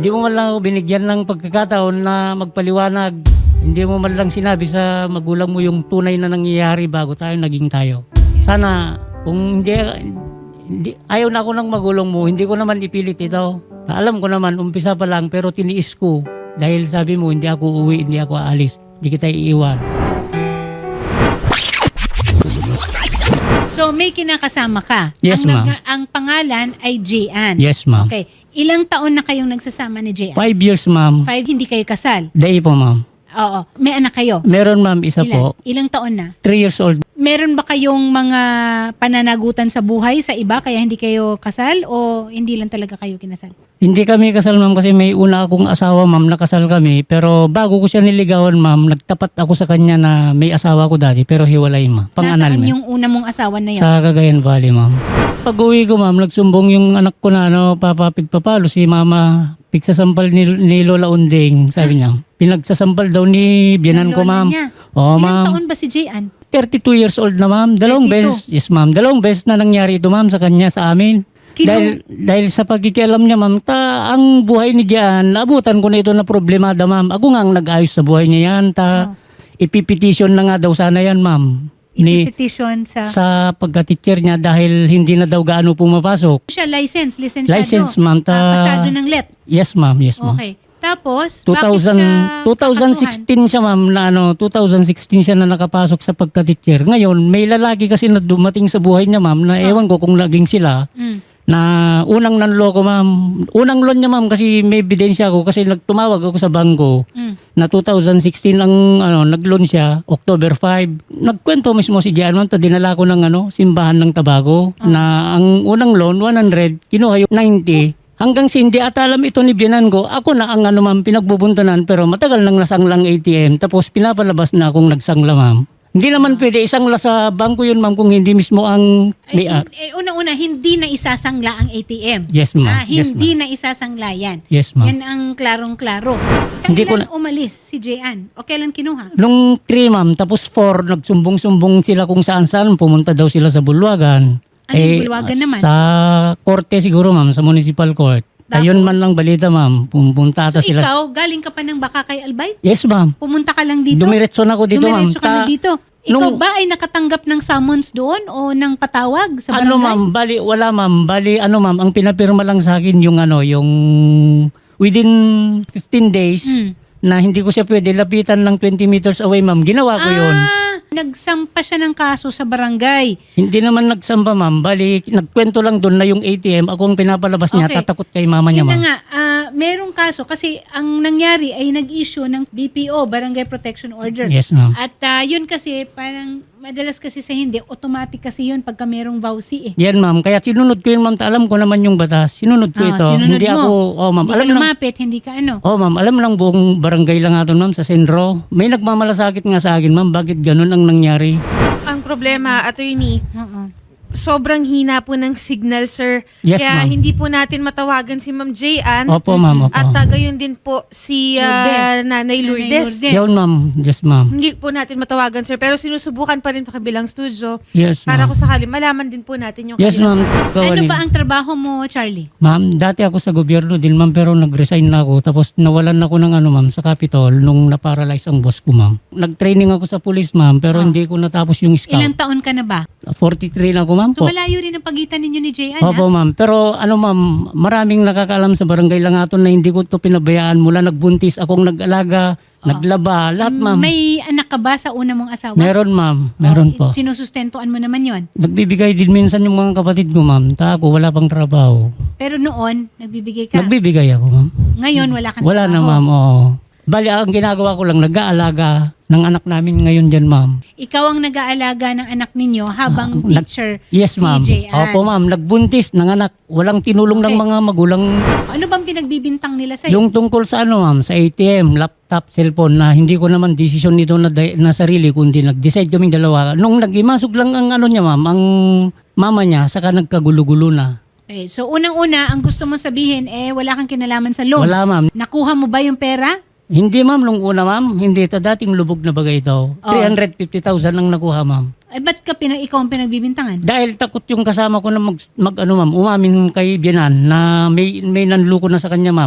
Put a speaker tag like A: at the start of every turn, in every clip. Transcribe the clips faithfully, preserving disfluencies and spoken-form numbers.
A: Hindi mo man lang ako binigyan ng pagkakataon na magpaliwanag. Hindi mo man lang sinabi sa magulang mo yung tunay na nangyayari bago tayo naging tayo. Sana kung hindi, hindi ayaw na ako ng magulang mo, hindi ko naman ipilit ito. Alam ko naman, umpisa pa lang pero tiniis ko. Dahil sabi mo, hindi ako uuwi, hindi ako aalis. Hindi kita iiwan.
B: So may kinakasama ka?
A: Yes,
B: ang,
A: ma'am.
B: nag- ang pangalan ay Jayan.
A: Yes, ma'am.
B: Okay. Ilang taon na kayong nagsasama ni Jayan?
A: Five years, ma'am.
B: Five, hindi kayo kasal?
A: Day po, ma'am.
B: Oo. May anak kayo?
A: Meron, ma'am, isa
B: Ilan?
A: po.
B: Ilang taon na?
A: Three years old.
B: Meron ba kayong mga pananagutan sa buhay sa iba kaya hindi kayo kasal o hindi lang talaga kayo kinasal?
A: Hindi kami kasal, ma'am, kasi may una akong asawa, ma'am, nakasal kami. Pero bago ko siya niligawan, ma'am, nagtapat ako sa kanya na may asawa ko dati, pero hiwalay, ma'am. Pang-anal,
B: Nasaan
A: ma'am.
B: yung una mong asawa na yun?
A: Sa Cagayan Valley, ma'am. Pag uwi ko, ma'am, nagsumbong yung anak ko na ano, papapig papalo si mama. Pigsasampal ni, ni Lola Unding, sabi niya. Pinagsasampal daw ni biyanan
B: Ng
A: ko,
B: lola
A: ma'am.
B: niya.
A: Oo,
B: Ilang
A: ma'am.
B: taon ba si Jayan?
A: thirty-two years old na, ma'am. Dalawang
B: thirty-two.
A: beses, yes, ma'am. Dalawang beses na nangyari ito, ma'am, sa kanya, sa amin.
B: Kino-
A: Dahil, dahil sa pagkikialam niya, ma'am, ta, ang buhay ni Gian, naabutan ko na ito na problemada, ma'am. Ako nga ang nag-ayos sa buhay niya yan. Ta,
B: Oh.
A: ipipetition na nga daw sana yan, ma'am. Ni,
B: Ipipetition sa...
A: sa pagka-teacher niya dahil hindi na daw gaano pumapasok.
B: siya license, lisensyado.
A: License, ma'am. Ta,
B: Ah, pasado ng let.
A: Yes, ma'am. Yes, ma'am.
B: Okay. Tapos,
A: two
B: bakit
A: thousand,
B: siya
A: twenty sixteen siya, ma'am, na ano, twenty sixteen siya na nakapasok sa pagka-teacher. Ngayon, may lalaki kasi na dumating sa buhay niya, ma'am, na ewan ko kung laging sila,
B: Mm.
A: na unang nanloko, ma'am. Unang loan niya, ma'am, kasi may ebidensya ako kasi nagtumawag ako sa bangko
B: Mm.
A: na twenty sixteen ang ano, nag-loan siya, October fifth. Nagkwento mismo si Gian, ma'am, ta dinala ko ng ano, simbahan ng Tabaco na ang unang loan one hundred, kinuha yung ninety. Hanggang si hindi at alam ito ni biyanan ko, ako na ang ano, ma'am, pinagbubuntanan pero matagal nang nasanglang A T M tapos pinapalabas na akong nagsangla, ma'am. Hindi naman pwede isangla sa bangko yun, ma'am, kung hindi mismo ang
B: Ay,
A: may-ar.
B: hin- eh, una-una, hindi na isasangla ang A T M.
A: Yes, ma'am.
B: Ah,
A: Yes,
B: hindi na isasangla yan.
A: Yes, ma'am.
B: Yan ang klarong-klaro.
A: Hindi ko
B: Kailan umalis si Jayan? O kailan kinuha?
A: Nung three, ma'am, tapos four, nagsumbong-sumbong sila kung saan-saan, pumunta daw sila sa Bulwagan.
B: Ano yung Bulwagan naman?
A: Sa korte siguro, ma'am, sa municipal court.
B: Tapos?
A: Ayun man lang balita, ma'am. Pumunta
B: So
A: ata sila.
B: ikaw, galing ka pa ng Bakakay Albay?
A: Yes, ma'am.
B: Pumunta ka lang dito?
A: Dumiretso na ako dito, ma'am.
B: Dumiretso ka na
A: Ta-
B: dito? Ikaw
A: nung-
B: ba ay nakatanggap ng summons doon o ng patawag sa barangay?
A: Ano, ma'am? Bali, wala, ma'am. Bali, ano, ma'am, ang pinapirma lang sa akin yung, ano, yung within fifteen days
B: Hmm.
A: na hindi ko siya pwede lapitan ng twenty meters away, ma'am. Ginawa ko yun.
B: Ah, nagsampa siya ng kaso sa barangay.
A: Hindi naman nagsamba, ma'am. Bali, nagkwento lang doon na yung A T M, ako ang pinapalabas niya,
B: Okay.
A: tatakot kay mama niya,
B: Yun na
A: ma'am.
B: nga, ah, merong kaso kasi ang nangyari ay nag-issue ng B P O, Barangay Protection Order.
A: Yes, ma'am.
B: At ah, yun kasi parang madalas kasi sa hindi, automatic kasi yun pagka merong vowsy eh.
A: Yan, ma'am. Kaya sinunod ko yun, ma'am. Ta- Alam ko naman yung batas. Sinunod ko
B: Ah,
A: ito.
B: sinunod
A: Hindi
B: mo.
A: ako, oh, ma'am.
B: Hindi
A: Alam
B: ka
A: lang,
B: lumapit, hindi ka ano.
A: oh, ma'am. Alam lang buong barangay lang ato, ma'am, sa Senro. May nagmamalasakit nga sa akin, ma'am. Bakit ganun ang nangyari?
C: Ang problema, attorney,
B: Oo.
C: sobrang hina po ng signal, sir.
A: Yes,
C: Kaya
A: ma'am.
C: hindi po natin matawagan si Ma'am Jayan.
A: Opo, ma'am. Opo.
C: At uh, gayon din po si
B: Lourdes.
C: ah, Nanay
B: Lourdes.
C: Lourdes.
A: Yun, ma'am. Yes, ma'am.
C: Hindi po natin matawagan, sir. Pero sinusubukan pa rin sa kabilang studio
A: Yes,
C: para
A: ma'am.
C: kung sakali malaman din po natin yung
A: Yes,
C: kanilang-
A: ma'am. Gawa
B: Ano
A: nila.
B: ba ang trabaho mo, Charlie?
A: Ma'am, dati ako sa gobyerno din, ma'am, pero nag-resign na ako. Tapos nawalan ako ng ano, ma'am, sa Capitol nung naparalyze ang boss ko, ma'am. Nag-training ako sa police, ma'am, pero
B: Oh.
A: hindi ko natapos yung scout.
B: Ilang taon ka na ba?
A: forty-three na ako, ma'am.
B: So
A: po.
B: malayo rin ang pagitan ninyo ni Jayan,
A: Opo, ma'am. Pero ano, ma'am, maraming nakakaalam sa barangay Langaton na hindi ko to pinabayaan. Mula nagbuntis, akong nag-alaga, naglaba, lahat, ma'am.
B: May anak ka ba sa una mong asawa?
A: Meron, ma'am. Meron
B: Oh,
A: po.
B: Sinusustentuan mo naman yon.
A: Nagbibigay din minsan yung mga kapatid ko, ma'am. Ta ako, wala pang trabaho.
B: Pero noon, nagbibigay ka.
A: Nagbibigay ako, ma'am.
B: Ngayon, wala kang
A: Wala na,
B: trabaho.
A: ma'am. Oo. Bali, ang ginagawa ko lang, nag-aalaga ng anak namin ngayon dyan, ma'am.
B: Ikaw ang nag-aalaga ng anak ninyo habang
A: Ah, nag-
B: teacher
A: Yes,
B: si
A: ma'am.
B: Jayan.
A: Opo, ma'am. Nagbuntis ng anak. Walang tinulong ng
B: Okay.
A: mga magulang.
B: Ano bang pinagbibintang nila sa'yo?
A: Yung tungkol sa ano, ma'am, sa A T M, laptop, cellphone, na hindi ko naman desisyon nito na, na sarili, kundi nag-decide kaming dalawa. Nung nag-imasok lang ang ano niya, ma'am, ang mama niya, saka nagkagulo-gulo na.
B: Okay, so unang-una, ang gusto mo sabihin, eh, wala kang kinalaman sa loan.
A: Wala, ma'am.
B: Nakuha mo ba yung pera?
A: Hindi, ma'am, nung una, ma'am. Hindi, ta dating lubog na bagay daw.
B: Oh.
A: three hundred fifty thousand ang nakuha, ma'am.
B: Eh, ba't ka pinag ikaw ang pinagbibintangan?
A: Dahil takot yung kasama ko na mag, mag ano, ma'am, umamin kay Bianan na may, may nanluko na sa kanya, ma'am.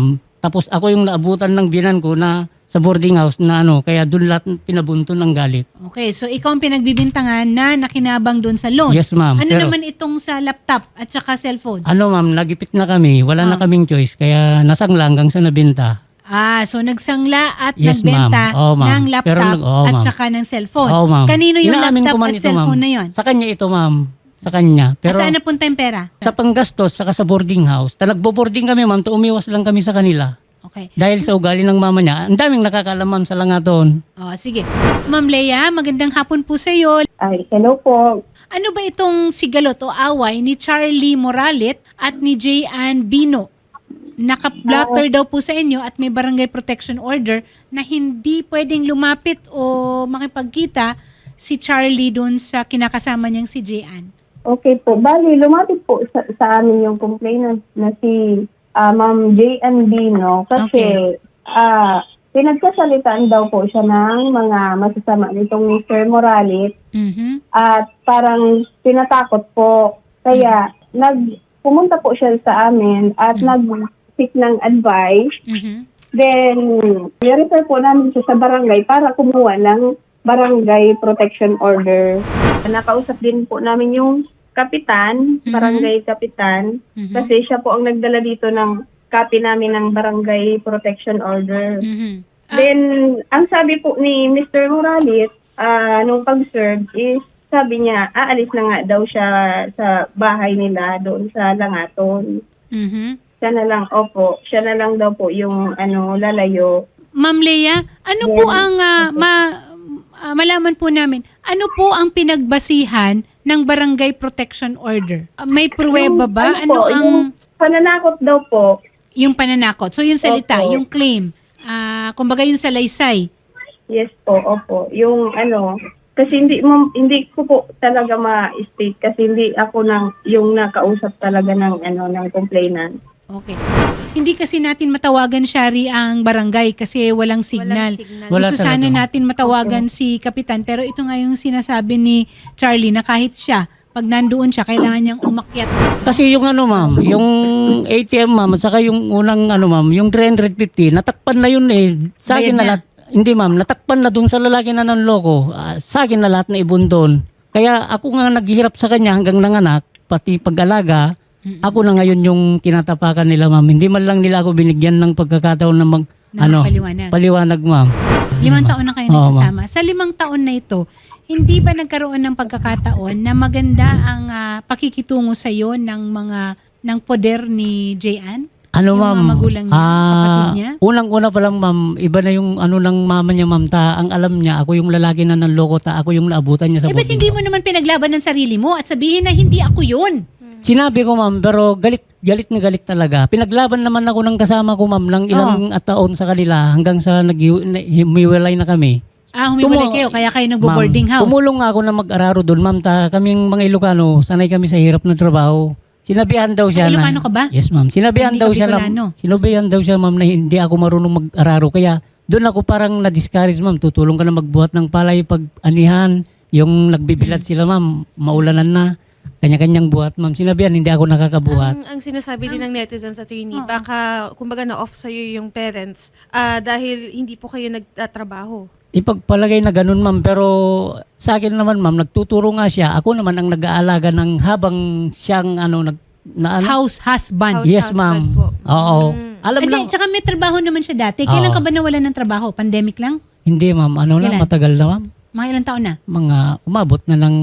A: Tapos ako yung naabutan ng binan ko na sa boarding house na ano, kaya doon lahat pinabunto ng galit.
B: Okay, so ikaw ang pinagbibintangan na nakinabang doon sa loan.
A: Yes, ma'am.
B: Ano
A: Pero-
B: naman itong sa laptop at saka cellphone?
A: Ano ma'am, nagipit na kami. Wala na
B: Ah.
A: kaming choice. Kaya nasangla hanggang sa nabenta.
B: Ah, so nagsangla at
A: Yes,
B: nagbenta
A: ma'am. Oo, ma'am.
B: ng laptop
A: Pero nag- oo,
B: at
A: ma'am.
B: saka ng cellphone.
A: Oo, ma'am.
B: Kanino yung
A: Inaamin
B: laptop
A: ko man
B: at
A: ito,
B: cellphone
A: ma'am.
B: na yon?
A: Sa kanya ito, ma'am. Sa kanya. Pero
B: Saan napunta yung pera?
A: sa panggastos, saka sa boarding house. Ta nagbo-boarding kami, ma'am. To umiwas lang kami sa kanila.
B: Okay.
A: Dahil sa ugali ng mama niya, ang daming nakakaalam, ma'am, sa langaton.
B: Oh, sige. Ma'am Lea, magandang hapon po sa iyo.
D: Ay, hello po.
B: Ano ba itong sigalot o away ni Charlie Moralit at ni J. Ann Bino? Naka-blotter daw po sa inyo at may barangay protection order na hindi pwedeng lumapit o makipagkita si Charlie doon sa kinakasama niyang si J. Ann.
D: Okay po. Bali, lumapit po sa, sa amin yung complainant na si ah, Ma'am J. Ann Bino kasi
B: Okay.
D: ah pinagkasalitaan daw po siya ng mga masasama nitong mister Moralit
B: Mhm.
D: at parang tinatakot po. Kaya nag pumunta po siya sa amin at nag-seek ng advice.
B: Mhm.
D: Then, i-refer po namin siya sa barangay para kumuha ng barangay protection order. Nakausap din po namin yung kapitan,
B: Mhm.
D: barangay kapitan,
B: Mhm.
D: kasi siya po ang nagdala dito ng copy namin ng barangay protection order.
B: Mhm. Ah,
D: Then, ang sabi po ni mister Moralit, ah, nung pag-serve is, sabi niya, aalis na nga daw siya sa bahay nila doon sa Langaton.
B: mhm.
D: Siya na lang, opo, siya na lang daw po yung ano, lalayo.
B: Ma'am Lea, ano po ang ah, ma- ah, malaman po namin, ano po ang pinagbasihan ng barangay protection order? Ah, may pruweba ba? Ano
D: po,
B: ang
D: yung pananakot daw po,
B: yung pananakot? So yung salita,
D: Opo.
B: yung claim, ah kumbaga yung salaysay.
D: yes po, opo, yung ano, kasi hindi mo, hindi ko po talaga ma-state kasi hindi ako nang yung nakausap talaga ng ano ng complainant.
B: Okay. Hindi kasi natin matawagan, Shari, ang barangay kasi walang signal.
C: signal.
A: Wala
B: Gusto sana
A: talaga.
B: natin matawagan si Kapitan, pero ito nga yung sinasabi ni Charlie na kahit siya, pag nandoon siya, kailangan niyang umakyat.
A: Kasi yung ano, ma'am, yung A T M, ma'am, at saka yung unang ano, ma'am, yung three fifty, natakpan na yun eh. Sa
B: Bayad
A: akin na
B: na.
A: lahat. Hindi, ma'am, natakpan na dun sa lalaki na nanloko. Ah, sa akin na lahat na ibon doon. Kaya ako nga naghihirap sa kanya hanggang nanganak, pati pag-alaga. Ako na ngayon yung tinatapakan nila, ma'am. Hindi man lang nila ako binigyan ng pagkakataon na mag,
B: Na
A: ano,
B: magpaliwanag.
A: paliwanag, ma'am.
B: Limang taon na kayo
A: Oo,
B: nagsasama. Sa limang taon na ito, hindi ba nagkaroon ng pagkakataon na maganda ang ah, pakikitungo sa iyo ng mga ng poder ni J. Ann?
A: Ano,
B: Yung
A: ma'am?
B: mga magulang niya,
A: Ah,
B: kapatid niya?
A: Unang-una pa lang, ma'am, iba na yung ano ng mama niya, ma'am. Ta, ang alam niya, ako yung lalaki na nanloko, ta, ako yung naabutan niya sa
B: Eh, ba't
A: boarding
B: hindi
A: house.
B: mo naman pinaglaban ng sarili mo at sabihin na hindi ako yun?
A: Sinabi ko, ma'am, pero galit, galit na galit talaga. Pinaglaban naman ako ng kasama ko, ma'am, ng ilang at taon sa kanila hanggang sa nag-hiwalay na kami.
B: Ah, humiwalay
A: Tumu-
B: kayo, kaya kayo nagbo-boarding
A: Ma'am,
B: house.
A: Tumulong nga ako na mag-araro doon, ma'am. Ta, kaming mga Ilocano, sanay kami sa hirap ng trabaho. Sinabihan daw siya
B: Ah, Ilocano
A: na...
B: ka ba?
A: Yes, ma'am. Sinabihan
B: Hindi
A: daw
B: ka
A: siya na...
B: Bicolano.
A: Sinabihan daw siya, ma'am, na hindi ako marunong mag-araro. Kaya doon ako parang na-discourage, ma'am. Tutulong ka na magbuhat ng palay pag anihan. Yung nagbibilad
B: Hmm.
A: sila, ma'am, maulanan na. Kanya-kanyang buhat, ma'am. Sinabihan, hindi ako nakakabuhat.
C: Ang, ang sinasabi din ng netizens sa attorney,
B: Oo.
C: baka kumbaga na-off sa'yo yung parents ah, dahil hindi po kayo nagtatrabaho.
A: Ipagpalagay na ganun, ma'am. Pero sa akin naman, ma'am, nagtuturo nga siya. Ako naman ang nag-aalaga ng habang siyang ano, nag, na, ano?
B: House husband.
C: House
A: Yes,
C: husband
A: ma'am.
C: po.
A: Oo.
C: Mm.
A: Alam
B: Hindi,
A: lang.
B: tsaka may trabaho naman siya dati. Kailan
A: Oo.
B: ka ba nawalan ng trabaho? Pandemic lang?
A: Hindi, ma'am. Ano lang,
B: Kailan?
A: matagal na, ma'am.
B: Mga ilang taon na?
A: Mga umabot na ng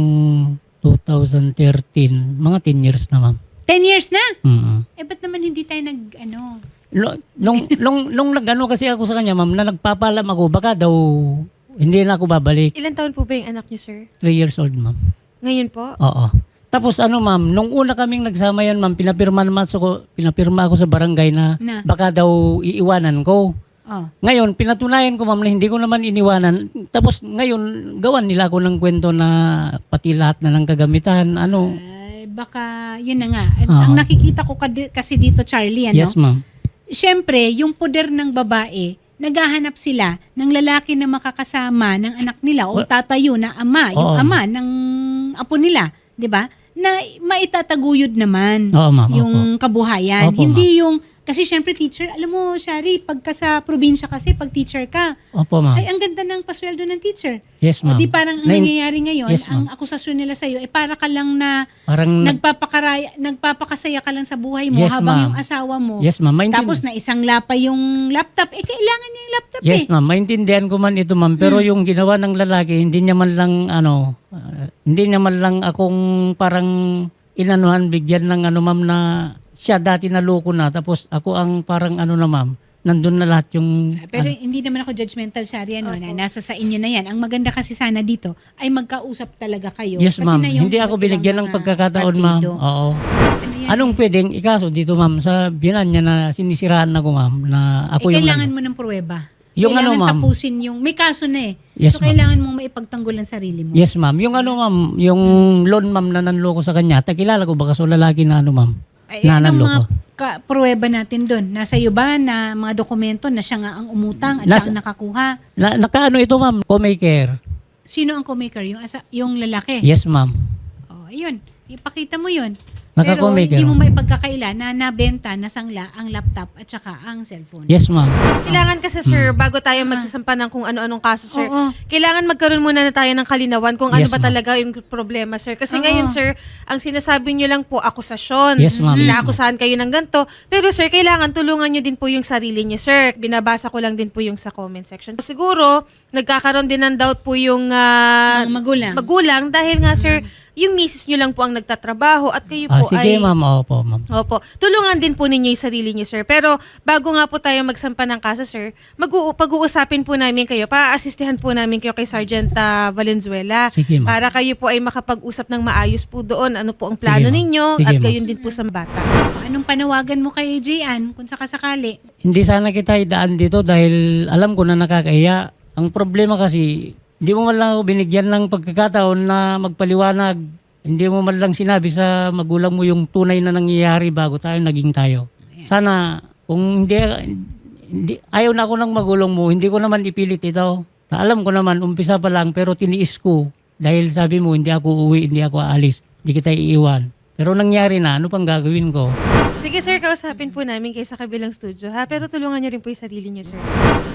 A: twenty thirteen. Mga ten years na, ma'am.
B: Ten years na?
A: Mm.
B: Eh, ba't naman hindi tayo nag, ano?
A: Lo- Nung, nung, nung nag-ano kasi ako sa kanya, ma'am, na nagpapalam ako, baka daw hindi na ako babalik.
C: Ilan taon po ba yung anak niyo, sir?
A: Three years old, ma'am.
C: Ngayon po?
A: Oo. Tapos ano, ma'am, nung una kaming nagsama yan, ma'am, pinapirma naman ako, pinapirma ako sa barangay na,
B: Na.
A: baka daw iiwanan ko.
B: Oh.
A: Ngayon, pinatunayan ko, ma'am, na hindi ko naman iniwanan. Tapos ngayon, gawan nila ako ng kwento na pati lahat na ng kagamitan. Ano?
B: Ay, baka, yun na nga. At
A: Oo.
B: Ang nakikita ko kadi- kasi dito, Charlie, ano?
A: Yes, ma'am.
B: Siyempre, yung poder ng babae, naghahanap sila ng lalaki na makakasama ng anak nila o
A: Well,
B: tatayo na ama, yung
A: oo.
B: ama ng apo nila, 'di ba? Na maitataguyod naman
A: Oo, ma'am.
B: yung
A: Opo.
B: kabuhayan.
A: Opo,
B: Hindi yung Kasi syempre teacher, alam mo, Shari, pagka sa probinsya kasi, pag teacher ka,
A: Opo, ma'am.
B: ay ang ganda ng pasweldo ng teacher.
A: Yes,
B: O
A: ma'am.
B: di parang ang
A: Nain-
B: nangyayari ngayon,
A: Yes,
B: ang
A: ma'am.
B: akusasyon nila sa'yo, eh para ka lang na
A: Parang nag-
B: nagpapakaraya, nagpapakasaya ka lang sa buhay mo
A: Yes,
B: habang
A: ma'am.
B: yung asawa mo.
A: Yes, ma'am. Maintin-
B: Tapos na isang lapa yung laptop. Eh, kailangan niya yung laptop
A: Yes,
B: eh.
A: ma'am. Maintindihan ko man ito, ma'am. Pero yung ginawa ng lalaki, hindi niya man lang, ano, ah, hindi niya man lang akong parang inanuhan, bigyan ng ano, ma'am, na siya dati naloko na. Tapos ako ang parang ano na, ma'am, nandun na lahat yung...
B: Pero
A: ano.
B: hindi naman ako judgmental, Shari, ano, na nasa sa inyo na yan. Ang maganda kasi sana dito ay magkausap talaga kayo.
A: Yes,
B: Pati
A: ma'am.
B: na yung
A: Hindi ako
B: iba't
A: binigyan
B: ibang
A: ng
B: mga
A: pagkakataon, ma'am.
B: partido.
A: Oo.
B: Ano yan
A: Anong
B: eh?
A: pwedeng ikaso dito, ma'am, sa binan niya na sinisiraan ako, ma'am, na ako
B: eh,
A: yung...
B: kailangan
A: ano.
B: mo ng pruweba.
A: Yung
B: kailangan
A: ano, ma'am?
B: tapusin yung... May kaso na eh.
A: Yes,
B: so,
A: ma'am.
B: kailangan mong maipagtanggol ang sarili mo.
A: Yes, ma'am. Yung ano, ma'am, yung loan, ma'am, na nanloko sa kanya, takilala ko baka so lalaki na ano, ma'am,
B: Ay,
A: na
B: anong mga
A: nanloko.
B: ka- pruweba natin doon? Nasa iyo ba na mga dokumento na siya nga ang umutang at
A: Nasa-
B: siya ang nakakuha?
A: Na, nakaano ito, ma'am, co-maker.
B: Sino ang co-maker? Yung, asa- yung lalaki?
A: Yes, ma'am.
B: Oh, ayun. Ipakita mo yun. Pero
A: Naka-co-maker.
B: hindi mo maipagkakaila na nabenta, nasangla ang laptop at saka ang cellphone.
A: Yes, ma'am.
C: Kailangan kasi sir, bago tayo magsasampa ng kung ano-anong kaso sir,
B: Oo.
C: kailangan magkaroon muna na tayo ng kalinawan kung ano
A: Yes,
C: ba
A: ma'am.
C: talaga yung problema sir. Kasi
B: Oo.
C: ngayon sir, ang sinasabi nyo lang po akusasyon.
A: Yes, ma'am. Yes, ma'am.
C: Naakusahan kayo ng ganito. Pero sir, kailangan tulungan nyo din po yung sarili nyo sir. Binabasa ko lang din po yung sa comment section. Siguro, nagkakaroon din ng doubt po yung ah,
B: Mga magulang.
C: magulang dahil nga sir, yung misis nyo lang po ang nagtatrabaho at kayo
A: Ah,
C: po
A: sige,
C: ay...
A: ma'am. Opo, ma'am.
C: Opo. Tulungan din po ninyo yung sarili niyo, sir. Pero bago nga po tayo magsampa ng kaso, sir, mag pag-uusapin po namin kayo, pa-assistihan po namin kayo kay Sergeant ah, Valenzuela.
A: Sige, ma'am.
C: Para kayo po ay makapag-usap ng maayos po doon. Ano po ang plano
A: Sige, ma'am.
C: ninyo
A: Sige,
C: at
A: ma'am.
C: gayon din po sa bata.
B: Anong panawagan mo kay Jayan kung sakasakali?
A: Hindi sana kita idaan dito dahil alam ko na nakakahiya. Ang problema kasi, hindi mo man lang ako binigyan ng pagkakataon na magpaliwanag. Hindi mo man lang sinabi sa magulang mo yung tunay na nangyayari bago tayo naging tayo. Sana, kung hindi, hindi ayaw na ako ng magulang mo, hindi ko naman ipilit ito. Alam ko naman, umpisa pa lang, pero tiniis ko. Dahil sabi mo, hindi ako uuwi, hindi ako aalis, hindi kita iiwan. Pero nangyari na, ano pang gagawin ko?
C: Sige, sir, kausapin po namin kayo sa kabilang studio, ha? Pero tulungan niyo rin po yung sarili niyo, sir.